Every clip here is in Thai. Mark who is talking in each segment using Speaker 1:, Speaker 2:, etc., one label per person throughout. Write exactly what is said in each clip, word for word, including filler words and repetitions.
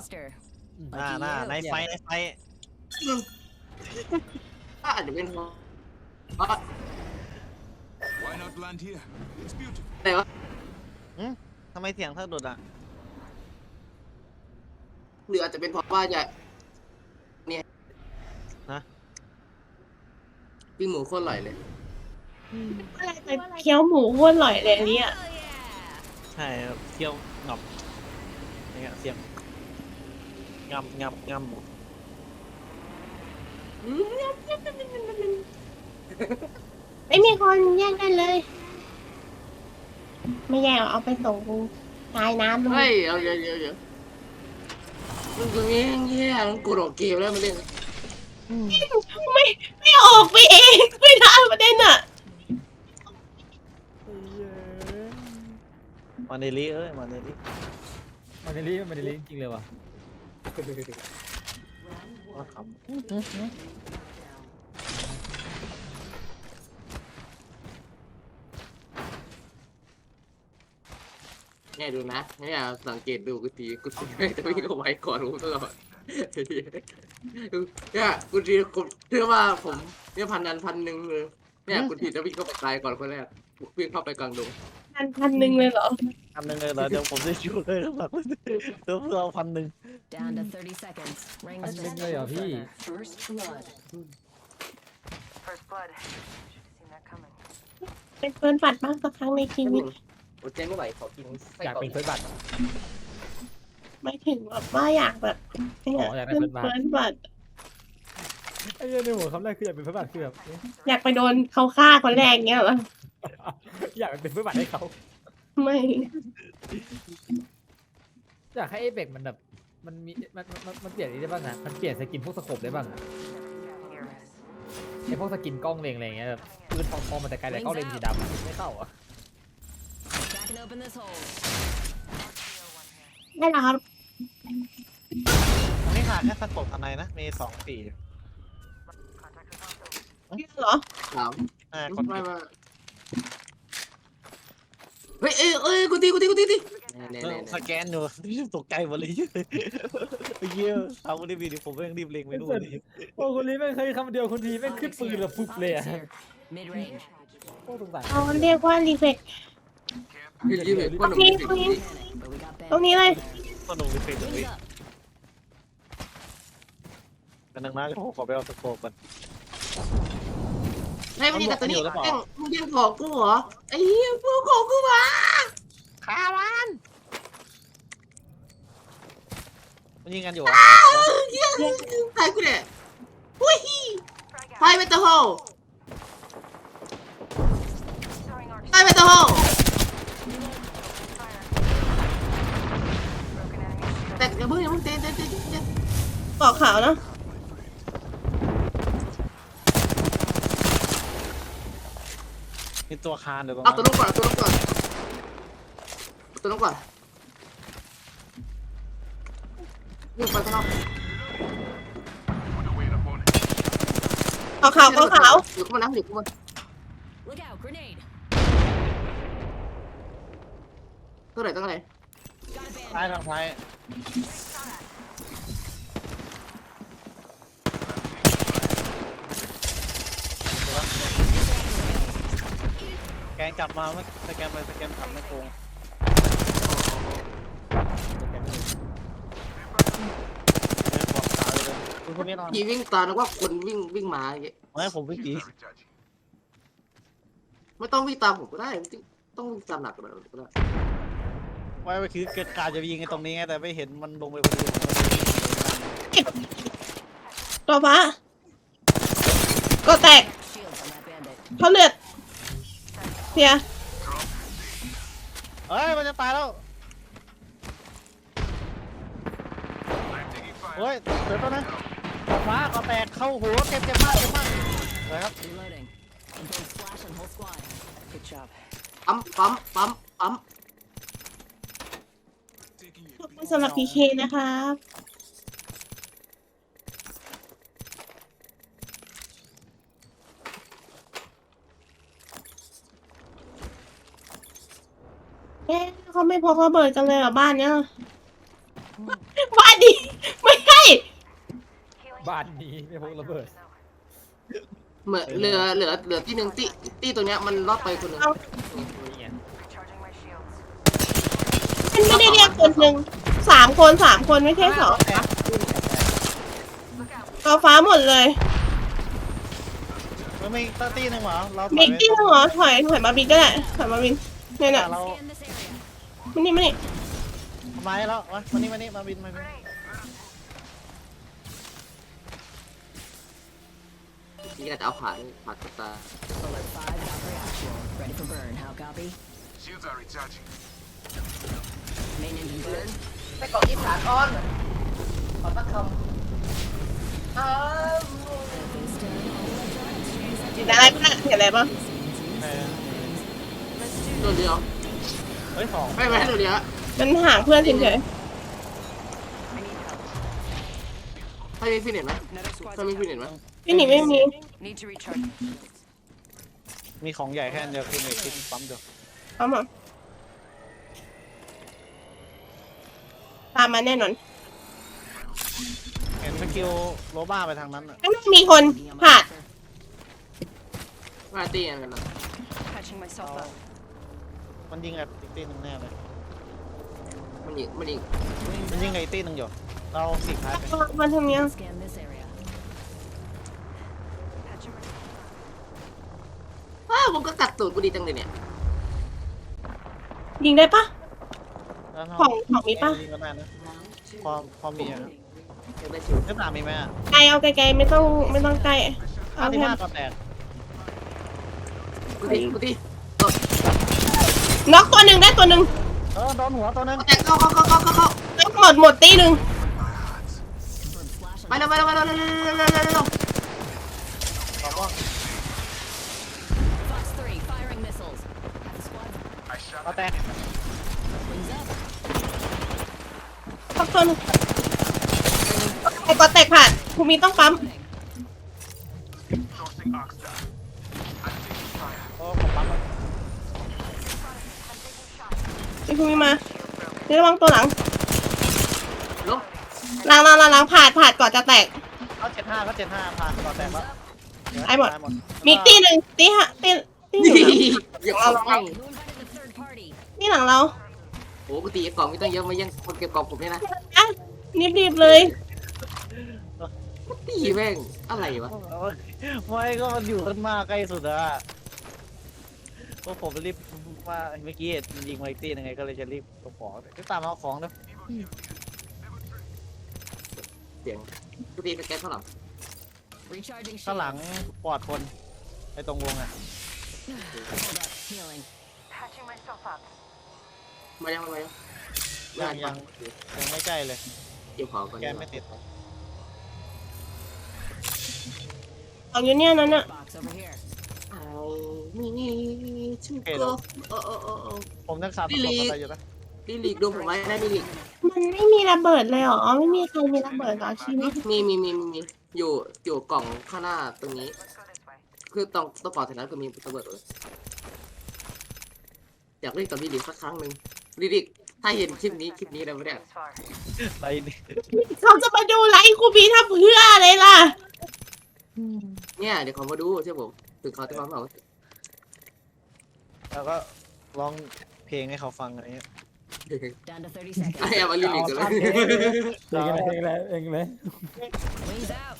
Speaker 1: Master.
Speaker 2: หน้าหน้าในไฟในไฟ
Speaker 3: อาจจะเป็นเพราะเพราะ
Speaker 4: Why not land here? It's beautiful.
Speaker 3: อะไรวะ
Speaker 2: ทำไมเสียงสะดุดอ่ะ
Speaker 3: หรืออาจจะเป็นเพราะว่าจะเนี่ย
Speaker 2: ฮะ
Speaker 3: ปิ้งหมูโคตรอร่อยเลย
Speaker 5: อะไรไปเคี้ยวหมูอ้วนอร่อยเลยอันเนี่ย
Speaker 1: Hell yeah.
Speaker 2: ใช่ครับเที่ยวงับนี่ครับเสียงงับงับงับ
Speaker 5: ไม่มีคนแย่งกันเลย ไม่แย่งเอาไปส่งตายน้ำเลย
Speaker 3: เฮ้ยเอาเยอะเยอะเยอะมึงตรงนี้แย่มึงกดออกเกมแล้วมาเล่น
Speaker 5: ไม่ไม่ออกไปเองไม่ได้ประเด็นอ่ะ
Speaker 2: มาเนลิเอ้ยมาเนลิ
Speaker 6: มันเดลี่มันเดลี่จริงเลยว่ะ
Speaker 2: ว่าค
Speaker 3: เนี่ยดูนะเนี่ยสังเกตดูกูตีกูตีไม่จะวิ่งเอาไว้ก่อนรู้ตลอดเนี่ยกูตีผมเชื่อว่าผมเนี่ยพันนันพันหนึ่งเลยเนี่ยกูตีจะวิ่งเข้าไปตายก่อนคนแรกวิ่งเข้าไปกลางดง
Speaker 5: พันพันหนึ่งเลยเหรอ
Speaker 2: ำทำหนึ่งเลยเหรอเดี๋ยวผมจะช่วยเลยครับเดี๋ยวเราพันหนึ่ง
Speaker 1: Down to thirty seconds. Rings
Speaker 6: That's
Speaker 1: just
Speaker 6: big way
Speaker 1: no
Speaker 6: of he.
Speaker 1: further. First blood.
Speaker 7: First blood. Should've seen that coming.
Speaker 5: เป็นเฟิร์นปัดมากสักครั้งในชีวิต
Speaker 3: โอ้เจ๊ไม่ไหวขอกินไส้
Speaker 6: อยาก
Speaker 3: กรอก
Speaker 6: เป็นเฟิร์สบัตร
Speaker 5: ไม่ถึงแบบว่าอยากแบบเนี่ย
Speaker 6: อ๋ออยากได้
Speaker 5: เป็น
Speaker 6: เฟิ
Speaker 5: เฟิ
Speaker 6: ร์
Speaker 5: ร์
Speaker 6: น
Speaker 5: น
Speaker 6: บั
Speaker 5: ปั
Speaker 6: ต
Speaker 5: ด
Speaker 6: ร ไอ้เหี้ยในหัวคำแรกคืออยากเป็นเฟิร์สบัตรคือแบบเอ๊ะ
Speaker 5: อยากไปโดนเขาฆ่าคนแรกเงี้ยเหรอ
Speaker 6: อยากเป็นเฟิร์สบัตรให้เขา
Speaker 5: ไม่
Speaker 6: อยากให้เอเบกมันแบบมันมีมันมันมันเปลี่ยนอะไรได้บ้างอะมันเปลี่ยนสกินพวกสโคปได้บ้างอะ
Speaker 7: Here.
Speaker 6: ไอพวกสกินกล้องเลงอะไรอย่างเงี้ยแบบปืนทองทองมันแต่ไกลแต่กล้องเลนสีดำไม่เข้าอ่ะ
Speaker 1: Cracking open this hole.
Speaker 5: ได้แล้วครับ
Speaker 2: ตรงนี้ขาดแค่สกปทนายนะมีสองสี่
Speaker 7: Contact with hostile.
Speaker 5: เหรอ
Speaker 3: ถาม
Speaker 2: อ่าค
Speaker 3: ไม่
Speaker 2: น
Speaker 3: ไม่เฮ้ยเอ้ยเอ้ยกูตีกูตีกูตีตีเน่
Speaker 2: เอ
Speaker 3: เน่
Speaker 2: อ
Speaker 3: เน่
Speaker 2: สแกนอยู่ตกใจหมดเลยเยี่ยเอาไม่ได้มีดิผมไม่ยังรีบเล็งไปนู่นเลย
Speaker 6: โอ้คนนี้แม่งเคยคำเดียวคนทีแม่งขึ้น
Speaker 1: Optics
Speaker 6: ปืน
Speaker 1: here.
Speaker 6: แบบปุ๊บเลยอะ
Speaker 1: Optics here. Mid range.
Speaker 6: โอ้สงสาร
Speaker 5: เอาเรียกว่ารีเฟก
Speaker 3: ยืดยืดเลยคนหนุ่ม
Speaker 5: ตรงนี้
Speaker 3: ติด
Speaker 5: ตรงนี้
Speaker 1: But we got
Speaker 5: ตรงนี้เลย
Speaker 2: ก็ลงรีเฟรชตรง
Speaker 1: Wings
Speaker 2: นี้
Speaker 1: up.
Speaker 2: กันนึงนะผมขอไปเอาสโคปกัน
Speaker 3: ให้มันยิงกับตัวนี้
Speaker 2: มันบอกให้อยู่หรือเปล่า
Speaker 3: แม่งมึงยิงของกูเหรอไอ้เหี้ยกูของกูมา
Speaker 2: ขาวันมันยิงกันอยู่
Speaker 3: อ้าวเหี้ยตายกูเนี่ยอุ้ย
Speaker 7: Frag
Speaker 3: ไฟ
Speaker 7: out.
Speaker 3: ไปตะโฮ
Speaker 7: Throwing arc.
Speaker 3: ไฟไปตะโฮ
Speaker 7: Fire. Broken enemy shield.
Speaker 3: แต่อย่าเพิ่งอย่าเพิ่งเต้นเต้นเต้นเต้น
Speaker 5: เกาะขาวเนาะ
Speaker 2: มีตัวคานเดี๋ยวตรง
Speaker 3: เอา
Speaker 2: นั้
Speaker 3: ตัวน ลงก่อนเอาตัวลงก่อนเอาตัวลงก่อนยิงไปข้างนอก
Speaker 5: เกาะขาวเกาะขาว
Speaker 3: อยู่ข้างบนนะอยู่ข้างบน
Speaker 1: Look out. Grenade.
Speaker 3: เท่าไหร่ตั้งไหน
Speaker 1: Got a
Speaker 2: ซ้าย
Speaker 1: band.
Speaker 2: ทางซ้ายแกงจับมาไม่สแกนไปสแกนทำไม่โกงบอกขาเลยคุณคนนี้นอน
Speaker 3: พี่วิ่งตามแล้วว่าคนวิ่งวิ่งมาอย่างเงี้ย
Speaker 2: ไม่ผมไม่กี่
Speaker 3: ไม่ต้องวิ่งตามผมก็ได้ต้องวิ่งตามหนักกว่านั้นก็ได้
Speaker 2: ไว้ไปคือเกิดการจะยิงไอ้ตรงนี้ไงแต่ไม่เห็นมันลงไปพอดี
Speaker 5: ตัวฟ้าก็แตก
Speaker 1: Shields on that bandit.
Speaker 5: เขาเลือดเสีย
Speaker 2: เฮ้ยมันจะตายแล้วเฮ้ยเดี๋ยวก่อนนะฟ้าก็แตกเข้าหัวเจ็บเจ็บมากเจ็บมากเลยครับ
Speaker 1: Reloading. I'm throwing splash on whole squad. Good job.
Speaker 3: ปั๊มปั๊มปั๊มปั๊ม
Speaker 5: ขอบคุณสำหรับพีเคนะครับเอ๊ะเขาไม่พกระเบิดกันเลยเหรอบ้านเนี้ยบ้านดี
Speaker 6: บ้านนี้ไม่พกระเบิด
Speaker 3: เหมือนเหลือเหลือเหลือที่หนึ่งที่ที่ตัวเนี้ยมันรอดไปคนหนึ่ง
Speaker 2: นี่ไง
Speaker 7: Recharging my shields.
Speaker 5: มันไม่ได้เรียกคนหนึ่งสามคนสามคนไม่ใช่สองเอาฟ้าหมดเลย
Speaker 2: มันไม่ตั้งตีหนึงเหรอเราถอย
Speaker 5: บิ๊ก
Speaker 2: ไป
Speaker 5: ที่หัวถอยถอยมาบิ๊กก็ได้ถอยมาบิ๊กเนี่ยน่ะ
Speaker 2: เรา
Speaker 1: Scan this area.
Speaker 5: มันนี่มันนี่
Speaker 2: ทำไมแล้ววะมานี่มานี่มาบินมาบิน
Speaker 3: ที่จะเอาขาขาดตา
Speaker 1: Alert five, Valkyrie actual. Ready for burn. How copy?
Speaker 4: Shields are recharging.
Speaker 1: Main engine burn.
Speaker 3: ไปเกาะอีสานอ้อนขอสักคำอ้าว
Speaker 1: Kingston, all electronics.
Speaker 5: เห็นอะไรบ้างเห็นอะไรบ้าง
Speaker 2: เออ
Speaker 3: ตัวเดียว
Speaker 2: เฮ้ยสอง
Speaker 3: ไม่ไม่ตัวเดียว
Speaker 5: มันห่างเพื่อนเฉย
Speaker 3: ถ้ามีฟินเน็ตไหม
Speaker 7: Another squad
Speaker 3: ถ้ามีฟินเน็ตไหม
Speaker 5: ๆพี่หนิไม่มี
Speaker 7: need to recharge.
Speaker 2: มีของใหญ่แค่อันเดียวคือในคลิปปั๊มเดียว
Speaker 5: เอามาตามมาแน่นอน
Speaker 2: เห็นสกิลโรบ้าไปทางนั้นอ่ะ
Speaker 5: ไม่มีคนผ่าน
Speaker 3: ว่าตีกันนะ
Speaker 7: Patching myself up.
Speaker 2: มันยิงกับอีกตีหนึงแน่เลย
Speaker 3: มันยิงมันยิง
Speaker 2: มันยิงกับอีกตีหนึงอยู่เราสิกท้ายไป
Speaker 5: มันทำเนี้ย
Speaker 1: Scan this area.
Speaker 7: Patching myself up.
Speaker 3: อ้าวผมก็กัดตูดกูดีจังเลยเนี่ย
Speaker 5: ยิงได้ปะ
Speaker 2: แล้วเรา
Speaker 5: ของของมีปะ
Speaker 2: ยิงก็ได้นะพอพอมีอ่ะ
Speaker 3: ยังได้ชิว
Speaker 2: เจ้าตามีไหมอ่ะ
Speaker 5: ไกลเอาไกลๆไม่ต้องไม่ต้องใกล้
Speaker 2: ห้า
Speaker 5: เอา
Speaker 2: ที่
Speaker 5: แค่
Speaker 2: ห้าก็แตก
Speaker 3: กูตีกูตี
Speaker 5: น็อกตัวหนึ่งได้ตัวหนึ่ง
Speaker 2: เออโดนหัวตัวนึง
Speaker 3: แตกเข้าเข้าเข้าเข้าเข้าเข้า
Speaker 5: น็อกหมดหมดตีหนึ่ง
Speaker 1: Burn flash
Speaker 3: ไป
Speaker 1: on
Speaker 3: เร็วไปเร็วไปเร็วเร็วเร็วเร็วเร็วเร็วเร็ว
Speaker 2: บอกว่า
Speaker 1: Fox three, firing missiles. Half the squad.
Speaker 2: ก็แตก
Speaker 1: Wings up.
Speaker 5: น็อกตัวหนึ่งไอ้กอแตกผ่านภูมิต้องปั๊ม
Speaker 4: Tossing arc star. I'm taking fire.
Speaker 2: โอ้ผมปั๊มแล้ว
Speaker 5: ไอ้ภูมิมาเดี๋ยวระวังตัวหลัง
Speaker 3: ลง
Speaker 5: หลังหลังหลังหลังผ่านผ่านก่อนจะแตก
Speaker 2: เขาเจ็ดห้าเขาเจ็ดห้าผ่านก็แตกแล้ว
Speaker 5: ไอ้หมด มีอีกตีหนึ่งตีฮะตีตีห
Speaker 3: นี่
Speaker 5: นึ่ง
Speaker 3: อย่าเอาไป
Speaker 1: Who invited the third party?
Speaker 5: นี่หลังเรา
Speaker 3: โอ้กูตีกล่องไม่ต้องเยอะมายังคนเก็บกล่องผมเนี่ยนะ
Speaker 5: อ่ะรีบๆเลย
Speaker 3: ตีแม่งอะไรวะ
Speaker 2: ไม่ก็มันอยู่ข้างหน้าใกล้สุดอะก็ผมรีบว่าเมื่อกี้มันยิงไวตี้ยังไงก็เลยจะรีบเอาของก็ตามเอาของนะ
Speaker 3: เสียงกูตีไปแก๊สข้างหลัง
Speaker 1: Recharging
Speaker 2: ข้าง
Speaker 1: shield.
Speaker 2: หลังปลอดคนไอ้ตรงวงอะ
Speaker 1: Hold up. Healing.
Speaker 7: Patching myself up.
Speaker 3: มายังมายัง
Speaker 2: ยังยังยังไม่ใกล้เลย
Speaker 3: เก็บของก่อน
Speaker 2: แกนไม่ติด
Speaker 5: ของอยู่เนี่ยนั่นน่ะ
Speaker 1: Box over here.
Speaker 3: เอามีชูโก้โอ้โอ้โอ้โอ้
Speaker 2: ผมยังสับสนอะไรอยู่นะ
Speaker 3: ลิลิกดูผมไว้ได้ลิลิก
Speaker 5: มันไม่มีระเบิดเลยเหรอไม่มีใครมีระเบิดเหรอชีวิต
Speaker 3: มีมีมีมีอยู่อยู่กล่องข้างหน้าตรงนี้
Speaker 7: Let's go this way.
Speaker 3: คือต้องต้องปอดเสร็จแล้วก็มีระเบิดเลยอยากเล่นกับลิลิกสักครั้งหนึ่งลิลิกถ้าเห็นคลิปนี้คลิปนี้แล้วไม่ได้
Speaker 7: Seems far.
Speaker 2: อะไรนี่
Speaker 5: เขาจะมาดูไลฟ์ครูบีทำเพื่ออะไรล่ะ
Speaker 3: เนี่ยเดี๋ยวเขามาดูใช่ผมถึงเขาจะมาบอก
Speaker 2: แล้วก็ร้องเพลงให้เขาฟังอะไรเงี้ย
Speaker 1: Down to thirty
Speaker 3: ไอ้
Speaker 1: seconds.
Speaker 3: เอามาลิลิกกันเลย
Speaker 6: เองเลยเองเลยเองเลย
Speaker 1: Wings out.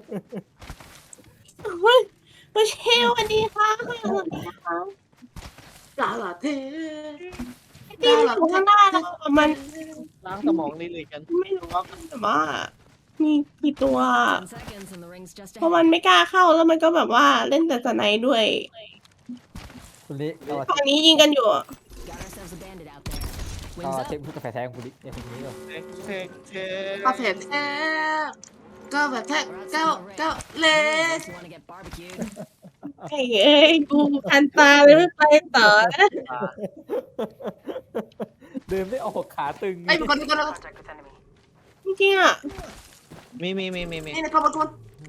Speaker 5: เฮ้ยมาเชลสวัสดีค่ะสวัสดีค่ะ
Speaker 3: กาลาเท
Speaker 5: ที่อยู่ข้างหน้าเราอะมัน
Speaker 2: ล้างสมองนี่เลยกัน
Speaker 5: ไม่รู้ว่ามันแบบว่า มีกี่ตัว
Speaker 1: Ten seconds and the ring's just
Speaker 5: เพราะมัน
Speaker 1: ahead.
Speaker 5: ไม่กล้าเข้าแล้วมันก็แบบว่าเล่นแต่สไนด์ด้วย
Speaker 6: คุณลิเรา
Speaker 5: ฝั่งนี้ยิงกันอยู่
Speaker 1: Got ourselves a bandit out there.
Speaker 6: เรา
Speaker 1: Wings
Speaker 6: เช็ค
Speaker 1: up.
Speaker 6: พูดกาแฟแท้ของคุณลิเนี่ยคุณนี้ก่อน
Speaker 2: เทคเทคเท
Speaker 3: กาแฟแท้กาแฟแท้เก้าเก้าเล
Speaker 1: Unless
Speaker 3: ส
Speaker 1: you want to get barbecued.
Speaker 5: ไอ้เอ้ยกูคันตาเลยไม่ไปต่อนะ
Speaker 6: เดินไม่ออกขาตึง
Speaker 3: ไอ้เป็นคนเป็นคน
Speaker 7: Contact with enemy.
Speaker 5: จริงๆอ่ะ
Speaker 2: มีมีมีมีมี
Speaker 3: นี่นะครับทุกคน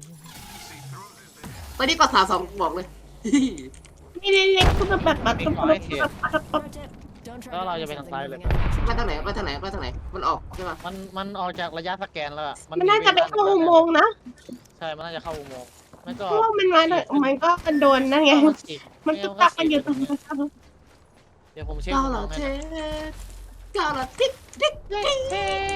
Speaker 3: ตอนนี้ก็สามสองบอกเลย
Speaker 5: ไม่ได้เล็กคือแบบแบบแบบแบบแบบแบบ
Speaker 1: Pro tip: Don't try
Speaker 2: Đó là
Speaker 1: to
Speaker 2: giờ
Speaker 1: do
Speaker 2: mày thằng
Speaker 1: something
Speaker 2: tay
Speaker 1: moving
Speaker 2: lên.
Speaker 1: infection.
Speaker 3: ไปทางไหนไปทางไหนไปทางไหนมันออกใช่ปะ
Speaker 2: มันมันออกจากระยะสแกนแล้วอะ
Speaker 5: มันน่าจะไปเข้าอุโมงค์นะ
Speaker 2: ใช่มันน่าจะเข้าอุโมงค์ไม่ก็
Speaker 5: เพราะว่ามันมาเลยมันก็มันโดนนั่นไง
Speaker 2: มันฉีก
Speaker 5: มันตุ๊กตักมันอยู่ตรงนั้น
Speaker 2: เดี๋ยวผมเช็ค
Speaker 3: กา
Speaker 2: อุโม
Speaker 3: ลาง
Speaker 2: ค์
Speaker 3: เท
Speaker 2: ให้นะ
Speaker 3: กาลาทิกทิกทิก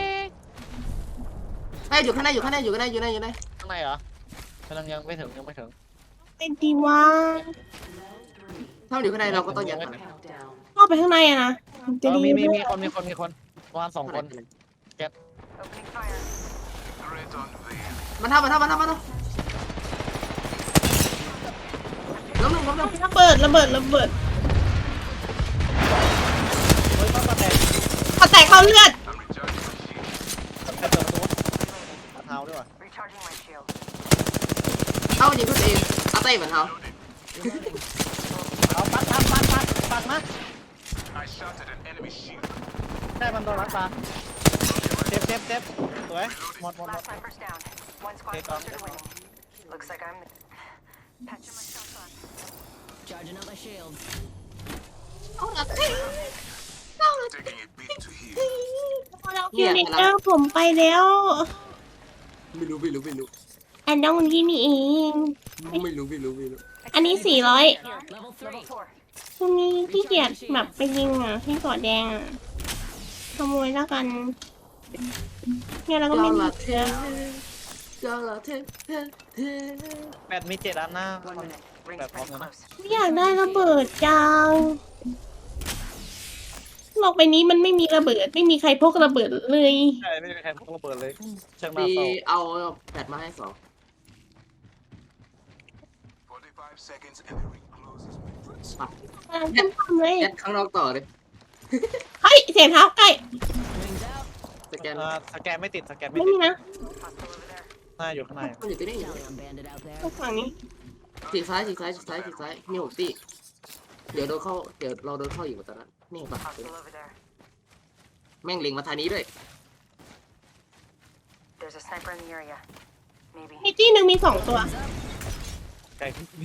Speaker 3: ไอ้ยอยู่ข้างในอยู่ข้างในอยู่ข้างในอยู่ข้างในอยู่ข้างใน
Speaker 2: ข้างในเหรอมันยังไม่ถึงยังไม่ถึง
Speaker 5: เป็นดีวะ
Speaker 3: ถ้ามันอยู่ข้างในเราก็ต้องยัดมัน
Speaker 7: Countdown.
Speaker 5: เข้าไปข้างในอะนะจะ
Speaker 2: เออ
Speaker 5: ดี
Speaker 2: มีมี
Speaker 5: ด้ว
Speaker 2: มี
Speaker 5: ย
Speaker 2: คนมีคนมีคนประมาณสองคน
Speaker 7: Opening fire.
Speaker 4: Threat unveiled.
Speaker 3: มันทำมันทำมันทำมันทำล้มหนึ่งล้มหนึ่ง
Speaker 5: ระเบิดระเบิดระเบิด
Speaker 2: เฮ้ยต้องมาแตก
Speaker 5: พอแตกเข้าเลือด
Speaker 4: I'm recharging my shield.
Speaker 2: ใครเปิดประตูขาเท้าด้วยวะ
Speaker 7: Recharging my shield.
Speaker 3: เอายิงขึ้นเองเอาเต้เหมือนเขา
Speaker 2: เอาปัดปัดปัดปัดปัดมา
Speaker 4: I shot at an enemy shield.
Speaker 2: ได้มันโดนรัดตาเจ็บเจ็บเจ็บสวยหมดหมดหมด
Speaker 7: Last sniper's down. One squad
Speaker 2: Take
Speaker 7: closer
Speaker 2: off.
Speaker 7: to winning. Looks like I'm patching myself up.
Speaker 1: Charging up my shield.
Speaker 3: เอาละเต้
Speaker 4: Taking a beat to heal.
Speaker 5: คิวเนเตอร์ผมไปแล้ว
Speaker 3: ไม่รู้ไม่รู้ไม่รู้
Speaker 5: อันน้องคนที่นี่เอง
Speaker 3: ไม่รู้ไม่รู้ไม่รู้
Speaker 5: อันนี้สี่ร้อย
Speaker 1: Level three.
Speaker 7: Level four.
Speaker 5: ตรงนี้ที่เกียจแบบไปยิงอ่ะที่เกาะแดงอ่ะขโมยแล้วกันเนี่ยเราก็
Speaker 3: กา
Speaker 5: ไม่
Speaker 3: ลา
Speaker 5: มี
Speaker 3: เท
Speaker 5: เชื้อก
Speaker 3: าลาเทเทเท
Speaker 2: แปดมีเจ็ดอันนะ
Speaker 7: One minute. Rings
Speaker 2: Bẹp
Speaker 7: pretty
Speaker 2: bóng rồi đó.
Speaker 7: close.
Speaker 5: ไม่อยากได้ระเบิดจังโลกใบนี้มันไม่มีระเบิดไม่มีใครพกระเบิดเลย
Speaker 2: ใช่ไม่มีใครพกระเบิดเลยช่างน่า
Speaker 3: มี
Speaker 2: เศร้า
Speaker 3: เอาแบตมาให้สอง
Speaker 4: forty-five seconds and the ring closes.
Speaker 3: ปัด
Speaker 5: กำลังต้มทำเลย
Speaker 3: ยัดข้างนอกต่อเลย
Speaker 5: เฮ้ยเสียงเท้าใกล้
Speaker 1: Wings out.
Speaker 3: สแกน
Speaker 2: อ่าสแกนไม่ติดสแกนไม่
Speaker 5: ไม่
Speaker 2: ติ
Speaker 5: มี
Speaker 2: ด
Speaker 5: นะ
Speaker 7: Hostile over there.
Speaker 2: น่าอยู่ข้างใน
Speaker 3: มันอยู่ที่นี่อยู่
Speaker 1: Talion bandit out there.
Speaker 5: ตรงฝั่งนี้
Speaker 3: ฉีกซ้ายฉีกซ้ายฉีกซ้ายฉีกซ้ายมีหกตีเดี๋ยวโดนเข้าเดี๋ยวเราโดนเข้าอยู่ตอนนั้นนี่ปะ
Speaker 7: Hostile over there.
Speaker 3: แม่งเล็งมาทางนี้ด้วย
Speaker 7: There's a sniper in the area. Maybe.
Speaker 5: มีจี้หนึ่งมีสองตัว
Speaker 2: ไกล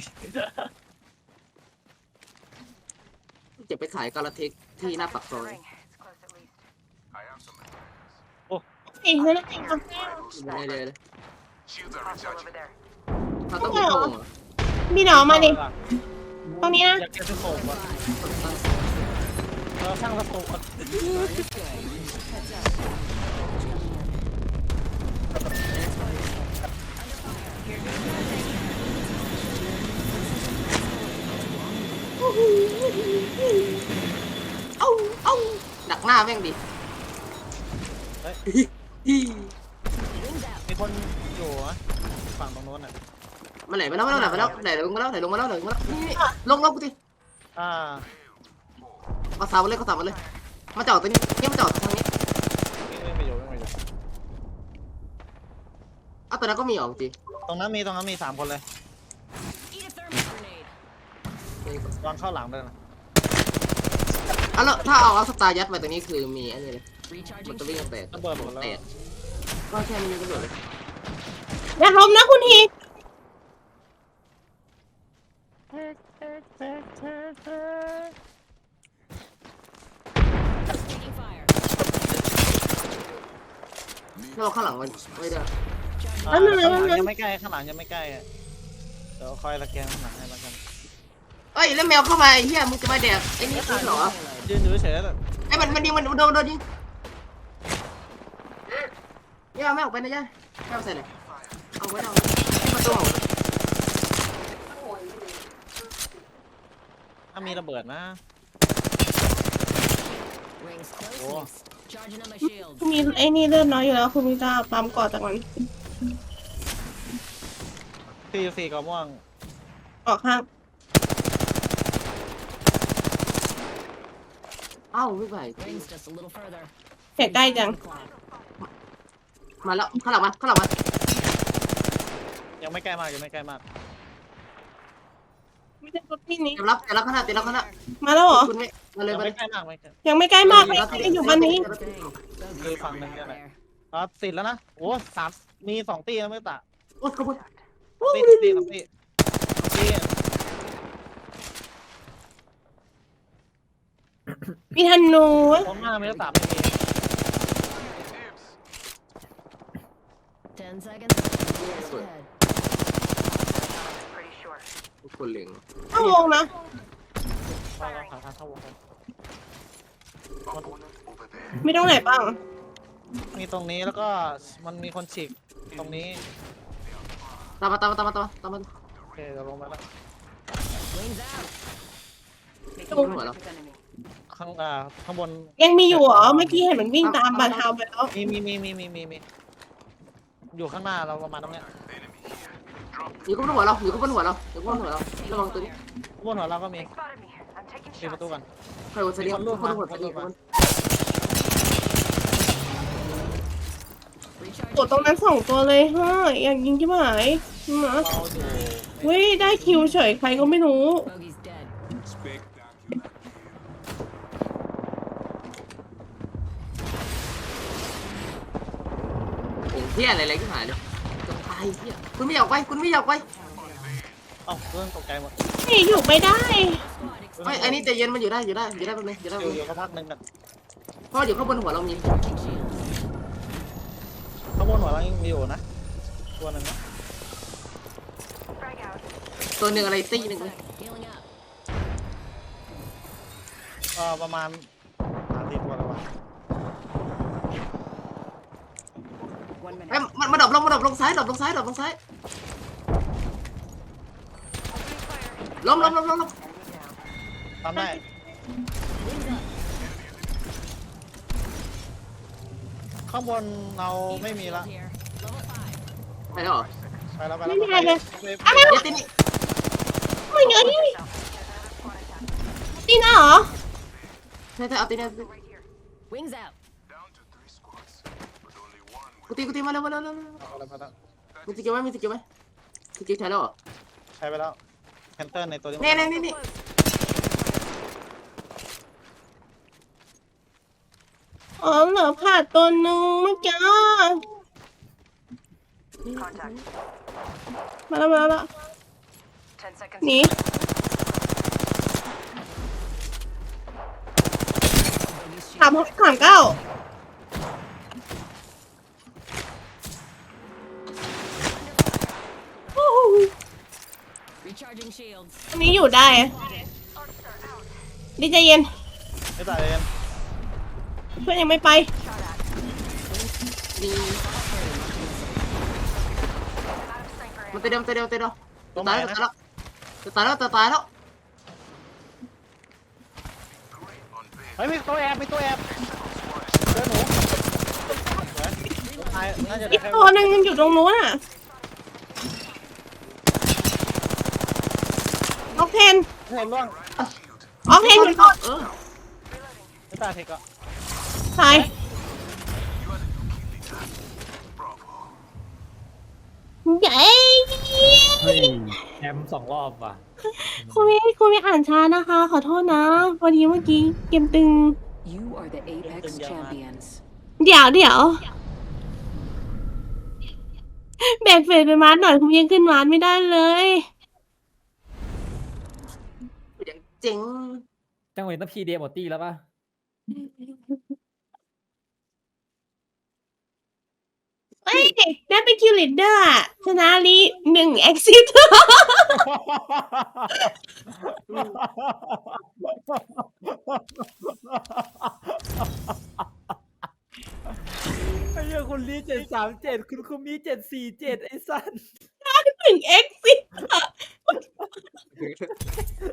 Speaker 3: จะไปขายกาลาเทคที่หน้าปากซ
Speaker 7: The
Speaker 3: อย
Speaker 7: ring. It's close at least.
Speaker 4: I have some advances.
Speaker 5: เองเลยนะเองเอา
Speaker 3: อยู่ในเลยเลย
Speaker 4: Shields are
Speaker 7: Hostile over
Speaker 4: recharging.
Speaker 7: there.
Speaker 3: เขาต้องมีเข้าวงเหรอ
Speaker 5: มีหนอมาดิตรงนี้นะ
Speaker 2: อยากเก็บสโคปอ่ะเราช่างสโคปอ่ะ
Speaker 1: It's good. Heads up.
Speaker 3: เอ้าเอ้าดักหน้าแม่งดิ
Speaker 1: Wings out.
Speaker 2: มีคนอยู่อะฝั่งตรงโน้นอ่ะ
Speaker 3: มาไหนมาแล้วมาแล้วมาแล้วไหนลงมาแล้วไหนลงมาแล้วไหนลงมาแล้วนี่นี่ลงลงกูดิ
Speaker 2: อ่า
Speaker 3: เอาสาวมาเลยเขาสาวมาเลยมาจอดตรงนี้นี่มาจอดทางนี้
Speaker 2: ไม่ไม่อยู่ไม่อยู่
Speaker 3: เอาตัวนั้นก็มีออกจริง
Speaker 2: ตรงนั้นมีตรงนั้นมีสามคนเลย
Speaker 1: Eat a thermite grenade.
Speaker 2: วางเข้าหลังด้วยนะ
Speaker 3: อ่ะแล้วถ้าเอาเอาสตาร์ยัดไปตรงนี้คือมีอันนี้เลยมัน
Speaker 1: Recharging
Speaker 3: จะวิ่ง
Speaker 1: shield.
Speaker 3: แตก
Speaker 2: ระเบิดหมดแล้ว
Speaker 3: แตกก็แค่นี้ก็เบิดเลย
Speaker 5: อย่าล้มนะคุณที
Speaker 1: Taking fire.
Speaker 3: ถ้าเราข้างหลังมันไม่ได้
Speaker 2: อ่าข้างหลังยังไม่ใกล้ข้างหลังยังไม่ใกล้อะเดี๋ยวคอยสแกนข้างหลังให้แล้วกัน
Speaker 3: เอ้ยแล้วแมวเข้ามาไอ้เหี้ยมึงจะมาแดกไอ้นี่คือเหรอ
Speaker 2: ยืนอยู่เฉยๆแล้ว
Speaker 3: ไอ้มันมันยิงมันโดนโดนยิงย่าไม่ออกไปนะย่าไม่เอาใส่เลยเอาไว้เอาประตู
Speaker 2: ถ้ามีระเบิดนะ
Speaker 1: Rings close.
Speaker 2: Oh.
Speaker 1: Next. Charging up my shield.
Speaker 5: คุณมีไอ้นี่เลือดน้อยอยู่แล้วคุณมีตาปั๊มก่อจากมัน
Speaker 2: สี่สี่กอม่วง
Speaker 5: ออกข้าง
Speaker 3: เอ้าไม่ไหว
Speaker 1: Rings just a little further.
Speaker 5: เสียใกล้จัง
Speaker 1: Clock.
Speaker 3: มาแล้วข้างหลังมาข้างหลังมา
Speaker 2: ยังไม่ใกล้มากยังไม่ใกล้มาก
Speaker 5: ไม่ใช่รถที่นี้
Speaker 3: เตรียมรับเตรียมรับข้างหน้าเตรียมรับข้างหน้า
Speaker 5: มาแล้วเหรอ
Speaker 3: คุณไม่มาเลย
Speaker 2: ยัง
Speaker 3: มาเล
Speaker 2: ไม่
Speaker 3: ย
Speaker 2: ใกล้มากไม่ใกล้
Speaker 5: ยังไม่ใกล้มากไม่ได้อยู่บ้านนี้
Speaker 1: Dang. So
Speaker 2: Cứ
Speaker 1: good
Speaker 2: phăng
Speaker 1: fighting
Speaker 2: lên
Speaker 1: out
Speaker 2: cái này.
Speaker 1: there.
Speaker 2: อ๋อสิแล้วนะโอ้สามมีสองตีแล้วไม่ตะ
Speaker 3: โอ้ยขอบคุณ
Speaker 2: ตีสองตีสองตีตี
Speaker 5: มีธนู
Speaker 2: ตรงหน้าไม่ได้สามไม่มี
Speaker 1: Ten seconds. Just
Speaker 3: Good.
Speaker 1: ahead.
Speaker 7: Pretty sure.
Speaker 3: ทุกคนเล็ง
Speaker 5: เข้าวงนะ
Speaker 2: เราเราหาทางเข้าวงกัน
Speaker 5: ไม่ต้องไหนบ้าง
Speaker 2: มีตรงนี้แล้วก็มันมีคนฉีกตรงนี้
Speaker 3: ตามมาตามมาตามมาตามมาตามมา
Speaker 2: โอเคเราลงมาแล้ว
Speaker 1: Wings out.
Speaker 7: Making
Speaker 3: Don't
Speaker 7: contact
Speaker 3: worry.
Speaker 7: with enemy.
Speaker 2: ข้างอ่าข้างบน
Speaker 5: ยังมีอยู่เหรอ เมื่อกี้เห็นมันวิ่งตามบาทาวไปแล้ว
Speaker 2: มีมีมีมีมีมีมีอยู่ข้างหน้าเราประมาณตรงเนี้ย
Speaker 3: อยู่ข้างบนหัวเราอยู่ข้างบนหัวเราอยู่ข้างบนหัวเราระวังตัวนี้
Speaker 2: ข้างบนหัวเราก็มี
Speaker 7: They spotted me. I'm taking
Speaker 2: ปิดประตู
Speaker 7: shots.
Speaker 2: ก่อน
Speaker 3: ใครวันเสาร์
Speaker 2: มีคนรู
Speaker 3: ทุ
Speaker 2: ด
Speaker 3: กคน
Speaker 2: มา
Speaker 3: หัวเสาร์
Speaker 2: คนรูดมา
Speaker 5: กดตรงนั้นสองตัวเลยเฮ้ยอยากยิงที่หายมา
Speaker 2: เราอยู่
Speaker 5: เว้ยได้คิวเฉยใครก็ไม่รู้
Speaker 1: Bogey's dead.
Speaker 4: Spectacular.
Speaker 3: โอ้เที่ยอะไรอะไรก็หายเลยจะตายเที่ยคุณไม่อยากไปคุณไม่อยากไป
Speaker 2: เอ้าเรื่องตกใจหมด
Speaker 5: นี่อยู่ไม่ได้
Speaker 3: ไม่อันนี้ใจเย็นมันอยู่ได้อยู่ได้อยู่ได้แป๊บนึงอยู่ได้
Speaker 2: อ
Speaker 3: แป๊บ
Speaker 2: ยู่
Speaker 3: นึ
Speaker 2: อง ยู่ก็พักหนึ่งกัน
Speaker 3: เพราะอยู่ข้างบนหัวเรามี
Speaker 1: Charging shields.
Speaker 2: ข้างบนหัวเรายังมีอยู่นะตัวหนึ่งนะ
Speaker 7: Frag out.
Speaker 3: ตัวหนึ่งอะไรตีห
Speaker 1: One
Speaker 3: นึ่งเลย
Speaker 1: sec. Healing up.
Speaker 2: เอ่อประมาณสามสี่ตัวแล้ววะ
Speaker 7: One minute.
Speaker 3: เอ้ยมันมันดับลงมันดับลงซ้ายดับลงซ้ายดับลงซ้าย
Speaker 7: Opening fire.
Speaker 3: ล้มล้มล้มล้มล้ม
Speaker 7: Enemy down.
Speaker 2: ทำได้
Speaker 1: Wings up.
Speaker 2: ข้างบนเราไม่มีละ
Speaker 1: Here. Level five.
Speaker 3: ไปแล้วเหรอ
Speaker 2: ไปแล้วไปแล้ว
Speaker 5: ไม่มีอะไรเลย
Speaker 2: ไป
Speaker 5: อะไร
Speaker 3: เดี๋
Speaker 5: วะ
Speaker 3: ยวตีนี่
Speaker 5: ไม่เยอะนี่
Speaker 7: Yourself. There's another squad attack.
Speaker 5: ตีน่าเหรอ
Speaker 3: ใช่ใช่เอาตีนี่
Speaker 7: Right here.
Speaker 1: Wings out.
Speaker 4: Down to three squads, but only one
Speaker 3: กูตีกูตีมาแล้วมาแล้วมาแล้ว
Speaker 2: เอาแล้วไปแล้ว
Speaker 3: มีสกิลไหมมีสกิลไหมสกิลใช้แล้วเหรอ
Speaker 2: ใช้ไปแล้วแคนเตอร์ในตัวนี้
Speaker 3: นี่นี่นี่นี่
Speaker 5: อ๋อเหลือผ่าตัวหนึ่งเมื่อกี้
Speaker 7: Contact.
Speaker 5: มาแล้วมาแล้วมาแล้ว
Speaker 7: Ten seconds.
Speaker 5: หนี
Speaker 1: Bogey's
Speaker 5: สาม
Speaker 1: shield.
Speaker 5: หกสามเก้า
Speaker 1: Recharging shields.
Speaker 5: อันนี้อยู่ได้ดีใจเย็น
Speaker 2: ไม่ตายเลย
Speaker 5: เพื่อนยังไม่ไป
Speaker 7: Shot at.
Speaker 3: ดี
Speaker 7: Out of sniper
Speaker 3: มัน
Speaker 7: ammo.
Speaker 3: ตัวเดียวตัวเดียวตัวเดียว
Speaker 2: ตรง
Speaker 3: ตาย
Speaker 2: ไหน
Speaker 3: แล้ว
Speaker 2: นะ
Speaker 3: ตายแล้วตายแล้วตายแล้ว
Speaker 2: เฮ้ยมีตัวแอบมีตัวแอบเจอหนูตายน่าจะได้
Speaker 5: อีก
Speaker 2: แค่
Speaker 5: ตัวหนึ่งอยู่ตรงนู้นอ่ะออกเทน
Speaker 2: เห็นร่วง
Speaker 5: ออกเทนอยู่ก่อน
Speaker 3: เออ
Speaker 2: ไม่ตายเทคก็
Speaker 5: ตายใหญ่
Speaker 6: เฮ้ยแชมป์สองรอบว่ะ
Speaker 5: คุณไม่คุณไม่อ่านช้านะคะ ขอโทษนะพอดีเมื่อกี้เกมตึง
Speaker 1: You are the Apex champions.
Speaker 5: เดี๋ยวเดี๋ยวแบกเฟสไปมาร์หน่อยคุณยังขึ้นมาร์ไม่ได้เลย
Speaker 3: อย่างเจ๋ง
Speaker 6: จังหวะนี้ต้องพีเดหมดตี้แล้วป่ะ
Speaker 5: เอ้ยได้เป็นคิวลิดเดอร์อะชนะลีหนึ่งเอ็กซิส
Speaker 6: ไอ้เหี้ยคุณลีเจ็ดสามเจ็ดคุณคุมีเจ็ดสี่เจ็ดไอ้สัส
Speaker 5: หนึ่งเอ็กซิส